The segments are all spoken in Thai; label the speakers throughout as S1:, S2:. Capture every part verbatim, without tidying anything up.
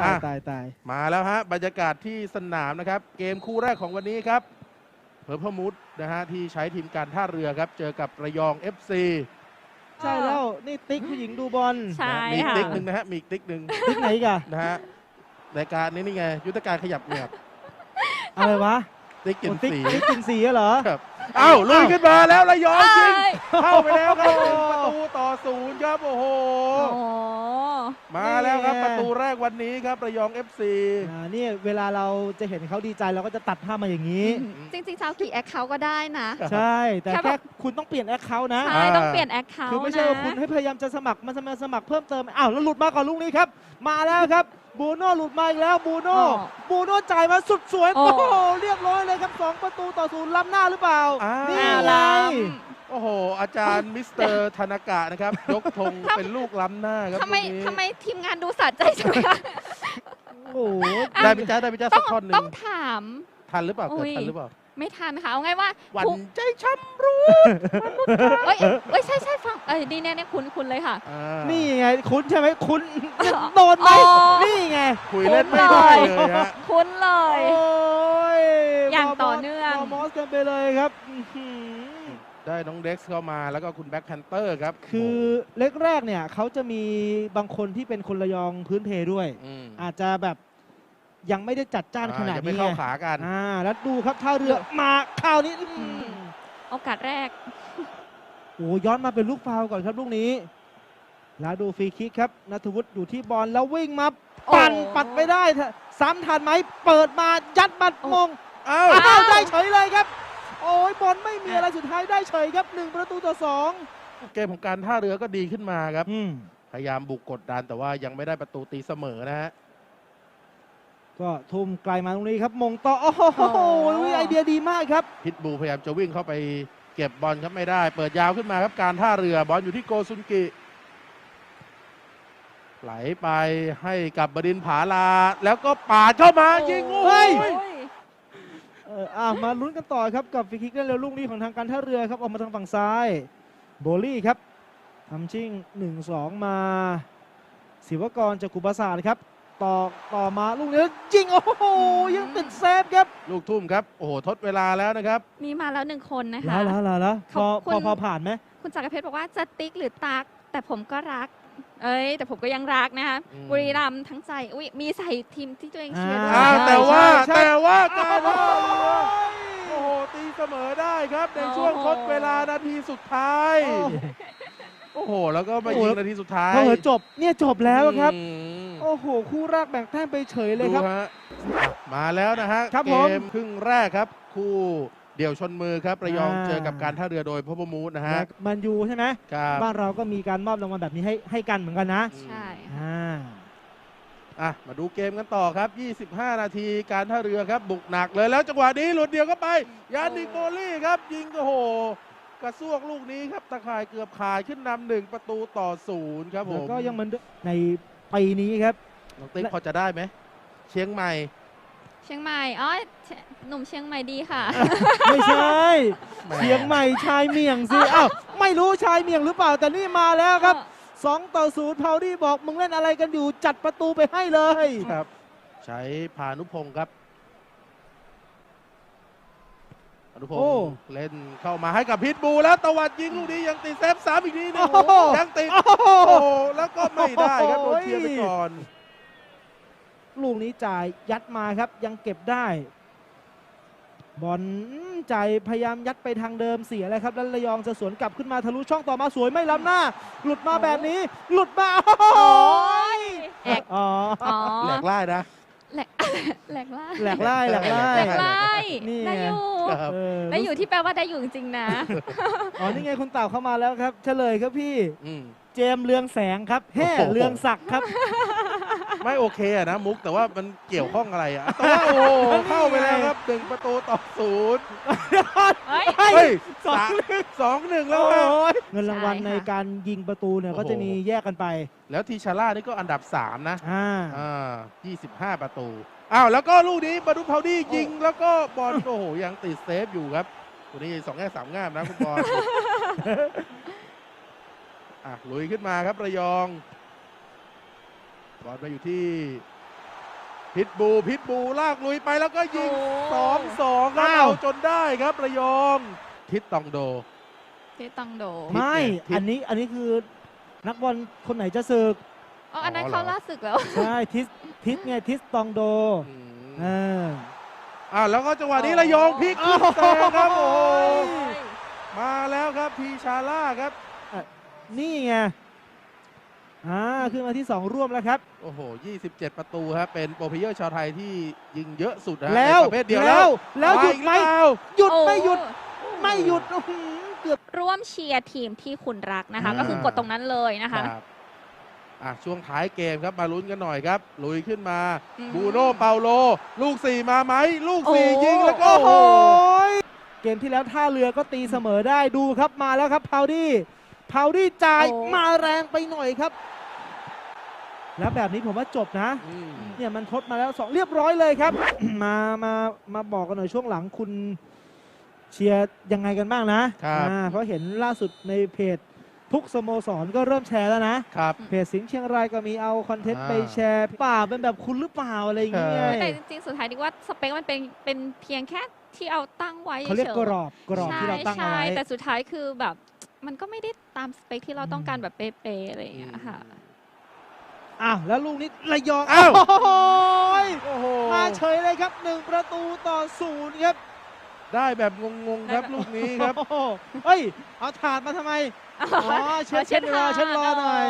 S1: ตายตายตาย
S2: มาแล้วฮะบรรยากาศที่สนามนะครับเกมคู่แรกของวันนี้ครับเพอร์พมูดนะฮะที่ใช้ทีมการท่าเรือครับเจอกับระยอง เอฟ ซี
S1: ใช่แล้วนี่ติ๊กผู้หญิงดูบอล
S3: ใช่
S2: มี
S3: ค่ะ
S2: ติ๊กหนึ่งนะฮะมีติ๊กหนึ่ง
S1: ติ๊กไหนกัน
S2: นะฮะรายการนี้นี่ไงยุทธการขยับเหงือก
S1: อะไรวะ
S2: ติ๊กกิน
S1: โอ้ติ๊ก
S2: สี
S1: ติ๊กกินสีเหรอ
S2: ครับเอ้าลุยขึ้นมาแล้วระยองยิง
S3: เอ้ย
S2: เข้าไปแล้วครับหนึ่งประตูต่อศูนย์ครับโอ้โห
S3: โอ้
S2: มาแล้วครับประตูแรกวันนี้ครับระยอง เอฟ ซี
S1: อ่านี่เวลาเราจะเห็นเขาดีใจเราก็จะตัดภาพมาอย่างนี้
S3: จริงๆจะเอากี่แอคเคาท์ก็ได้นะ
S1: ใช่ แต่
S3: แค่
S1: แค่
S3: แบบ
S1: คุณต้องเปลี่ยนแอคเคาท์นะ
S3: ใช่ต้องเปลี่ยนแอคเคาท์
S1: คือไม่ใช่ว่าคุณให้พยายามจะสมัครมันสมัครสมัครเพิ่มเติมอ้าวแล้วหลุดมาก่อนลูกนี้ครับ มาแล้วครับบูโน่หลุดมาอีกแล้วบูโน่บูโน่จ่ายมาสุดสวยโอ้โหเรียบร้อยเลยครับสองประตูต่อศูนย์ล้ำหน้าหรือเปล่า
S2: อ้าว
S1: นี่
S3: อ้าว
S1: ไง
S3: ล้
S2: โอ้โห อาจารย์มิสเตอร์ธนากะนะครับ ยกธงเป็นลูกล้ำหน้าครับ
S3: ำทำไม
S2: ลูกนี้
S3: ทำไมทีมงานดูสะใจจังเลยคะ
S1: โอ้โห
S2: ได้พิจ้าได้พิจ้า
S3: ต้
S2: สั
S3: อก ง
S2: ท่อนหนึ่
S3: ต้อง งถาม
S2: ทันหรือเปล่า
S3: อุ๊
S2: เกิด
S3: ย
S2: ทันหรือเปล่า
S3: ไม่ทันค่ะเอาไงว่า
S2: หวัน
S3: ครู
S2: ใจช้ำรู้
S3: เอ้ยเอ้ยใช่ใช่ฟังเอ้ยนี่เนี่ยเนี่ยคุณคุณเลยค่ะ
S2: อ่า
S1: นี่ไงคุณใช่ไหมคุณโดนไหม
S3: อ๋อ
S1: นี่ไง
S2: คุยเล่นไม่ได้เลยฮะ
S3: คุณเล
S1: โอ้
S3: ย
S1: ย
S3: อย่างต่อเนื่อง
S1: มมอสกันไปเลยครับอื้อหือ
S2: ได้น้องเด็กซ์เข้ามาแล้วก็คุณแบ็คแพนเตอร์ครับ
S1: คือเล็กแรกเนี่ยเขาจะมีบางคนที่เป็นคนระยองพื้นเพด้วย
S2: อืม
S1: อาจจะแบบยังไม่ได้จัดจ้านขนาด
S2: อ่ยังไม่
S1: นี้
S2: เข้า
S1: ไง
S2: ขากัน
S1: อ่าแล้วดูครับท่าเรือมาคราวนี้อื้อหือ
S3: โอกาสแรก
S1: โอ้ย้อนมาเป็นลูกฟาวล์ก่อนครับลูกนี้ แล้วดูฟรีคิกครับนัทวุฒิอยู่ที่บอลแล้ววิ่งมาปั่น
S3: โอ้
S1: ปัดไม่ได้ซ้ำทันไหมเปิดมายัดบัดมง
S2: อ้าว
S1: อ้าวได้เฉยเลยครับ โอ้ยบอลไม่มีอะไรสุดท้ายได้เฉยครับหนึ่งประตูต่อสอง
S2: เกมของการท่าเรือก็ดีขึ้นมาครับ
S1: อืม
S2: พยายามบุกกดดันแต่ว่ายังไม่ได้ประตูตีเสมอนะฮะ
S1: ก็ทุ่มไกลมาตรงนี้ครับมงต่อโอ้โห
S3: โอ้
S1: ไอเดียดีมากครับ
S2: พิทบูพยายามจะวิ่งเข้าไปเก็บบอลครับไม่ได้ เปิดยาวขึ้นมาครับการท่าเรือบอลอยู่ที่โกซุนกิไหลไปให้กับบดินผาลา แล้วก็ปาดเข้ามายิงโอ้
S1: เฮ้
S2: ย
S1: ย เอออ่ะมาลุ้นกันต่อครับกับฟรีคิกได้เร็วลูกนี้ของทางการท่าเรือครับออกมาทางฝั่งซ้ายโบลี่ครับทำชิ่ง หนึ่งสอง มาศิวกรจากกุปราสาทครับต่อต่อมาลูกนี้ยิงโอ้โหยังติดเซฟครับ
S2: ลูกทุ่มครับ โอ้โห ทดเวลาแล้วนะครับ
S3: มีมาแล้วหนึ่งคนนะคะ
S1: แล้วแล้วแล้วแล้วพอ
S3: ขอบคุ
S1: พ
S3: ณ
S1: อพอผ่านไหม
S3: คุณจักรเพชรบอกว่าจะติ๊กหรือตัก แต่ผมก็รัก เอ้ย แต่ผมก็ยังรักนะคะ
S2: อืม
S3: บุรีรัมย์ทั้งใจอุ้ยมีใส่ทีมที่ตัวเองเชียร์ด้วย
S2: อ้าว
S1: ใช่
S2: แต่ว่า
S1: ใช่
S2: แต่ว่าการ
S1: โอ้
S2: ท่าเรือ
S1: ย
S2: โอ้โห ตีเสมอได้ครับ ใน
S3: โอ้โห
S2: ช่วงทดเวลานาทีสุดท้าย
S1: โอ้
S2: โอ้โห แล้วก็มา
S1: โอ้โห
S2: ยิงนาทีสุดท้าย
S1: พอเหอะจบเนี่ยจบแล้วครับ
S2: อืม
S1: โอ้โห คู่แรกแบ่งแต้มไปเฉยเลย
S2: ดู
S1: ครับ
S2: ฮะมาแล้วนะฮะ
S1: ครับ
S2: เก
S1: ผม
S2: มครึ่งแรกครับ คู่เดี่ยวชนมือครับระยอง
S1: อ่า
S2: เจอกับการท่าเรือโดยพบมูดนะฮะ
S1: แมันยูใช่ไหม
S2: ครับ
S1: บ้านเราก็มีการมอบรางวัลแบบนี้ให้ให้กันเหมือนกันนะ
S3: ใช่ค่ะ
S1: อ่า
S2: อ่ะมาดูเกมกันต่อครับ ยี่สิบห้า นาทีการท่าเรือครับ บุกหนักเลยแล้วจังหวะนี้หลุดเดียวก็ไป ยานิกโบลี่ครับ ยิงก็โห กระซวกลูกนี้ครับ ตะข่ายเกือบขาดขึ้นนำหนึ่งประตูต่อศูนย์ครับผ
S1: แล้ว
S2: ม
S1: ก็ยังเหมือนเดิมในปีนี้ครับ
S2: น้องติ๊กพอจะได้ไหม เชียงใหม่
S3: เชียงใหม่อ๋อเชหนุ่มเชียงใหม่ดีค่ะ
S1: ไม่ใช่
S2: แหม
S1: เชียงใหม่ชายเมียงสิอ้าวไม่รู้ชายเมียงหรือเปล่าแต่นี่มาแล้วครับสองต่อศูนย์พาวดี้บอกมึงเล่นอะไรกันอยู่จัดประตูไปให้เลย
S2: ครับ ใช้พานุพงศ์ครับพานุพง
S1: โอ้
S2: ศ์เล่นเข้ามาให้กับพิทบูแล้วตวัดยิงลูกนี้ยังติดเซฟสามอีกทีหนึง
S1: โอ้โห
S2: ยังติด
S1: โอ้โห
S2: โอ้โหแล้วก็ไม่ได้ครับโดนเคลียร์ไปก่อน
S1: ลูกนี้จ่ายยัดมาครับยังเก็บได้บอลจ่ายพยายามยัดไปทางเดิมเสียเลยครับแล้วระยองจะสวนกลับขึ้นมาทะลุช่องต่อมาสวยไม่ล้ำหน้า หลุดมาแบบนี้ หลุดมาโอ้โห
S3: โอ้ยแอก
S1: อ๋อ
S3: อ๋อ
S2: แหลกไล่นะ
S3: แหลกแหลกล่า
S1: แหลกไล่แหลกไล่
S3: แหลกไล่
S1: นี่ไง
S3: ได้อยู่
S2: ครับ
S1: เออ
S3: ได้อยู่ที่แปลว่าได้อยู่จริงๆนะ
S1: อ๋อนี่ไงคุณเต่าเข้ามาแล้วครับ เฉลยครับพี่
S2: อืม
S1: เจมส์เรืองแสงครับแฮ่
S2: โอ้โห
S1: เรืองศักดิ์ครับ
S2: ไม่โอเคอะนะมุกแต่ว่ามันเกี่ยวข้องอะไรอะแต่ว่าโอ้โหเข้าไปแล้วครับหนึ่งประตูต่อศูนย์
S3: เฮ้ย
S2: เฮ้ย
S1: สอง
S2: สามสองหนึ่ง
S1: แล้
S2: แล้ว วฮะ
S1: เงินรางวัล
S3: ใช่ค่ะ
S1: ในการยิงประตูเนี่ย
S2: โอ้โห
S1: ก็จะมีแยกกันไป
S2: แล้วทีชาร่านี่ก็อันดับสามนะ
S1: อ่า
S2: อ่ายี่สิบห้าประตูอ้าวแล้วก็ลูกนี้บาดูพาวดี้ยิงแล้วก็บอลโอ้โหยังติดเซฟอยู่ครับตัวนี้สองแง่สามงามนะคุณบอล อ่ะลุยขึ้นมาครับระยองบอลมาอยู่ที่พิทบูพิทบูลากลุยไปแล้วก็ยิง
S3: โอ้
S2: สองสองครับ
S1: อ้าว
S2: เอาจนได้ครับระยองทิศตองโด
S3: ที่ตังโด
S2: ทิศ
S1: ไม่
S2: ทิศ
S1: อันนี้อันนี้คือนักบอลคนไหนจะศึก
S3: อ๋ออันนั้น
S2: อ๋อเหรอ
S3: เขาล่าศึกแล้ว
S1: ใช่ทิสทิสไงทิสตองโด
S2: อืม
S1: เออ
S2: อ่าแล้วก็จังหวะนี้ระยองพลิกขึ้นแซงครับโอ้โหมาแล้วครับพีชาร่าครับ
S1: นี่ไงอ่าขึ้นมาที่สองร่วมแล้วครับ
S2: โอ้โหยี่สิบเจ็ดประตูครับเป็นโปรเพลเยอร์ชาวไทยที่ยิงเยอะสุดนะ
S1: แล้ว
S2: ในประเภทเดียว
S1: แล้
S2: แล้ว
S1: วแล้วหยุดไหม
S2: าอีกรือเปล่า
S1: หยุด
S3: โอ้
S1: ไม่หยุดไม่หยุดอื้อหือเกือบ
S3: ร่วมเชียร์ทีมที่คุณรักนะคะ
S2: อ่า
S3: ก็คือกดตรงนั้นเลยนะคะ
S2: ครับอ่ะช่วงท้ายเกมครับมาลุ้นกันหน่อยครับ ลุยขึ้นมา
S3: อืม
S2: บูโน่เปาโล ลูกสี่มาไหม ลูกสี่
S3: โอ้
S2: ยิงแล้วก็
S1: โอ้
S2: โอ้
S1: โห
S2: โห
S1: เกมที่แล้วท่าเรือก็ตีเสมอได้ดูครับมาแล้วครับพาวดี้พาวดี้จ่าย
S3: โอ้
S1: มาแรงไปหน่อยครับ แล้วแบบนี้ผมว่าจบนะ
S2: อืม
S1: เนี่ยมันทดมาแล้วสองเรียบร้อยเลยครับ มามามาบอกกันหน่อยช่วงหลังคุณเชียร์ยังไงกันบ้างนะครับ อ่าเพราะเห็นล่าสุดในเพจทุกสโมสรก็เริ่มแชร์แล้วนะ
S2: ครับ
S1: เพจสิงห์เชียงรายก็มีเอาคอนเทนต์
S2: อ่า
S1: ไปแชร์ป่าเป็นแบบคุณหรือเปล่าอะไรอย่างเงี้ย
S2: ใช่
S3: แต่จริงๆ สุดท้ายดิว่าสเปคมันเป็นเป็นเพียงแค่ที่เอาตั้งไว้
S1: เขาเรียก
S3: ฉ
S1: ก
S3: ๆ
S1: รอบกรอบที่เราตั้งเอา
S3: ใช่
S1: ไว้
S3: ใช่แต่สุดท้ายคือแบบมันก็ไม่ได้ตามสเปคที่เราต้องการแบบเป๊ะๆอะไรอย่างเงี้ยค่ะ
S1: อ้าวแล้วลูกนี้ระยอง
S2: อ้าว
S1: โอ้โหย
S2: โอ้โห
S1: มาเฉยเลยครับหนึ่งประตูต่อศูนย์ครับ
S2: ได้แบบงงๆครับ
S3: ได้แบบ
S2: ลูกนี้ครับ
S1: โอ้โหเฮ้ยเอาถาดมาทำไม อ๋อเช็ดเช็ดรอเช็ดรอหน่อย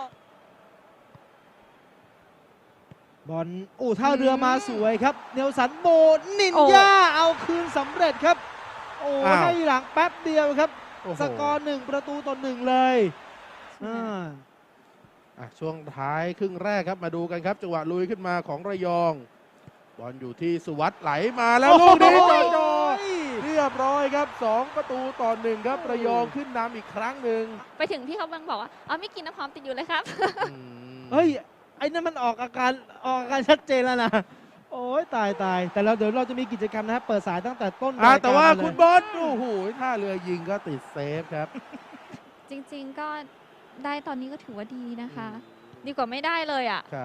S1: บอลอู้ท่าเรือมาสวยครับ เนลสันโบนิน
S3: โอ้
S1: ยาเอาคืนสำเร็จครับ โอ้
S2: อ้าว
S1: ให้หลังแป๊บเดียวครับ
S2: โอ้โห
S1: สกอร์หนึ่งประตูต่อหนึ่งเลยอ่า
S2: อ่ะช่วงท้ายครึ่งแรกครับมาดูกันครับจังหวะลุยขึ้นมาของระยอง บอลอยู่ที่สุวัสด์ไหลมาแล้วลูกนี้จอจอเรียบร้อยครับสองประตูต่อหนึ่งครับระยองขึ้นนำอีกครั้งหนึ่ง
S3: ไปถึงพี่เขาบังบอกว่าอ๋อไม่กินน้ำหอมติดอยู่เลยครับ
S2: อืม
S1: เฮ้ย ไอ้นั่นมันออกอาการออกอาการชัดเจนแล้วนะ โอ้ยตายตายแต่เราเดี๋ยวเราจะมีกิจกรรมนะครับเปิดสายตั้งแต่ต้น
S2: อ่ะ
S1: รายการ
S2: แต่ว่า
S1: เลย
S2: คุณบอลโอ้โหท่าเรือยิงก็ติดเซฟครับ
S3: จริงๆก็ได้ตอนนี้ก็ถือว่าดีนะคะ ดีกว่าไม่ได้เลยอ่ะ
S2: ครับ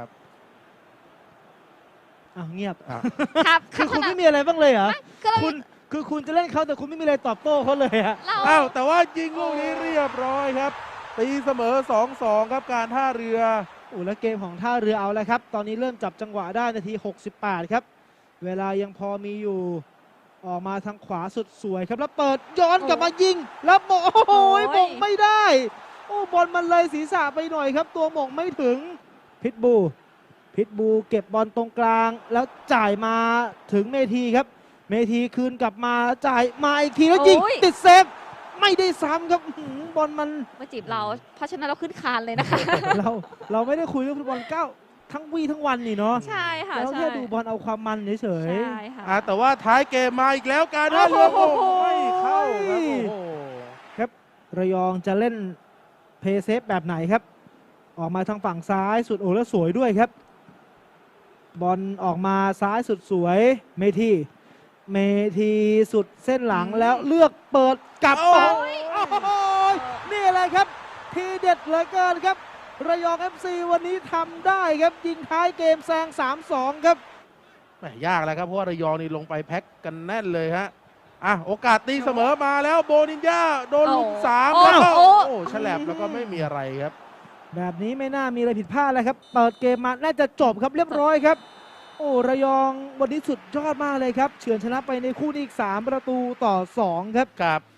S1: อ้าวเงียบ
S2: อ่ะ
S3: ครับ
S1: คือคุณ
S3: ขนาด
S1: ไม่มีอะไรบ้างเลยเหรอ
S3: ก็เรา
S1: คุณคือคุณจะเล่นเขาแต่คุณไม่มีอะไรตอบโต้เขาเลยอะ
S3: เรา
S2: อ้าวแต่ว่ายิงลูกนี้เรียบร้อยครับตีเสมอ สองสอง ครับการท่าเรือ
S1: โอ้แล้วเกมของท่าเรือเอาแล้วครับ ตอนนี้เริ่มจับจังหวะได้นาทีหกสิบแปดครับ เวลายังพอมีอยู่ ออกมาทางขวาสุดสวยครับ แล้วเปิดย้อนกลับมายิง แล้วโมงโอ้โหมงไม่ได้ โอ้บอลมันเลยศีรษะไปหน่อยครับ ตัวหมงไม่ถึงพิทบูพิทบูเก็บบอลตรงกลาง แล้วจ่ายมาถึงเมทีครับ เมทีคืนกลับมาจ่ายมาอีกทีแล้วยิง
S3: โอ้ย
S1: ติดเซฟไม่ได้ซ้ำครับอื้อหือบอลมัน
S3: มาจีบเรา เพราะฉะนั้นเราขึ้นคานเลยนะคะ
S1: เราเราไม่ได้คุยเรื่องฟุตบอลเก้าทั้งวีทั้งวันนี่เนาะ
S3: ใช่ค่ะ
S1: เรา
S3: ใช่
S1: แค่ดูบอลเอาความมันเฉย
S3: ใช่ค่ะ
S2: อ่ะแต่ว่าท้ายเกมมาอีกแล้วการท่าเรือ
S1: โอ้โห
S2: ไม่เข้าครับโอ้โห
S1: ๆระยองจะเล่นเพย์เซฟแบบไหนครับ ออกมาทางฝั่งซ้ายสุดโอ้แล้วสวยด้วยครับ บอลออกมาซ้ายสุดสวยเมทีเมทีสุดเส้นหลัง
S3: อืม
S1: แล้วเลือกเปิดกลับ
S2: โอ้
S1: มา
S2: ย
S1: โอ้โหนี่อะไรครับ ทีเด็ดเหลือเกินครับ ระยอง เอฟ ซี วันนี้ทำได้ครับ ยิงท้ายเกมแซง สามสอง ครับ
S2: แหม่ยากแล้วครับเพราะว่าระยองนี่ลงไปแพ็กกันแน่นเลยฮะอ่ะโอกาสตีเสมอมาแล้วโบนินญาโดนลุมสาม
S3: โอ้
S2: แล้วก็
S3: โอ้
S2: โอ้ฉลับแล้วก็ไม่มีอะไรครับ
S1: แบบนี้ไม่น่ามีอะไรผิดพลาดแล้วครับ เปิดเกมมาน่าจะจบครับเรียบร้อยครับ โอ้ระยองวันนี้สุดยอดมากเลยครับ เฉือนชนะไปในคู่นี้อีกสามประตูต่อสองครับ
S2: ครับ